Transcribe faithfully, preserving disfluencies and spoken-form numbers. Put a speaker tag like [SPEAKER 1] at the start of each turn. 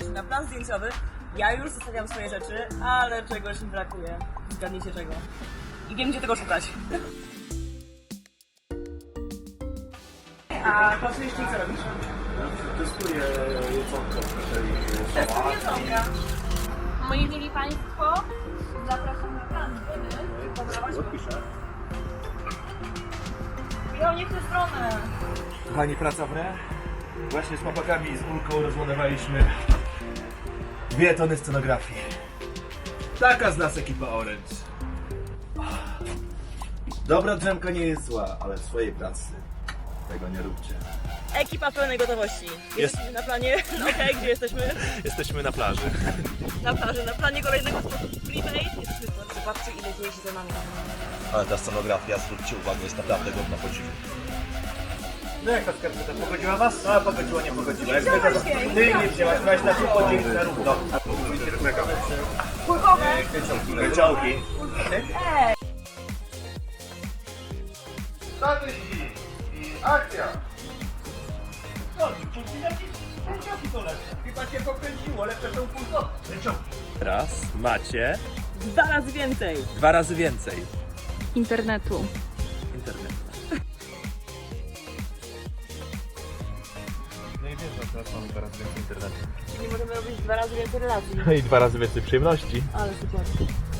[SPEAKER 1] się na plan zdjęciowy. Ja już zostawiam swoje rzeczy, ale czegoś mi brakuje. Zgadnijcie czego. I wiem, gdzie tego szukać. A pracujesz ty, co robisz?
[SPEAKER 2] Testuję jedzonko w hoteli.
[SPEAKER 1] Testuję jedzonka.
[SPEAKER 3] Moi mili Państwo, zapraszam na plan.
[SPEAKER 2] Odpiszę.
[SPEAKER 1] Ja nie w tę stronę.
[SPEAKER 2] Kochani, praca w re. Właśnie z chłopakami i z Ulką rozładowaliśmy dwie tony scenografii. Taka z nas ekipa Orange. Dobra drzemka nie jest zła, ale w swojej pracy tego nie róbcie.
[SPEAKER 1] Ekipa w pełnej gotowości. Jesteśmy na planie. No okej, gdzie jesteśmy?
[SPEAKER 2] Jesteśmy na plaży.
[SPEAKER 1] Na plaży, na planie kolejnego spotu Freebase. Jesteśmy w Zobaczcie, ile dzieje się za nami.
[SPEAKER 4] Ale ta scenografia, zwróćcie uwagę, jest naprawdę godna podziwu.
[SPEAKER 2] No jak ta skarpeta pogodziła was? No pogodziła, nie pogodziła. Jak
[SPEAKER 1] wziąłeś
[SPEAKER 2] ty,
[SPEAKER 1] jej.
[SPEAKER 2] ty nie wzięłaś, weź na tym podzielić na równo.
[SPEAKER 1] Kulkowe.
[SPEAKER 2] Wyciągi.
[SPEAKER 1] Ej!
[SPEAKER 2] Statyści i akcja! No, jakieś wyciągi to lepsze. Chyba cię pokręciło, lepsze są kulkowe. Wyciągi.
[SPEAKER 5] Teraz macie
[SPEAKER 1] Dwa razy więcej.
[SPEAKER 5] dwa razy więcej
[SPEAKER 3] Internetu.
[SPEAKER 5] internetu.
[SPEAKER 2] No i wiesz, że teraz mamy dwa razy więcej internetu.
[SPEAKER 1] Czyli możemy robić dwa razy więcej relacji.
[SPEAKER 2] I dwa razy więcej przyjemności.
[SPEAKER 1] Ale super.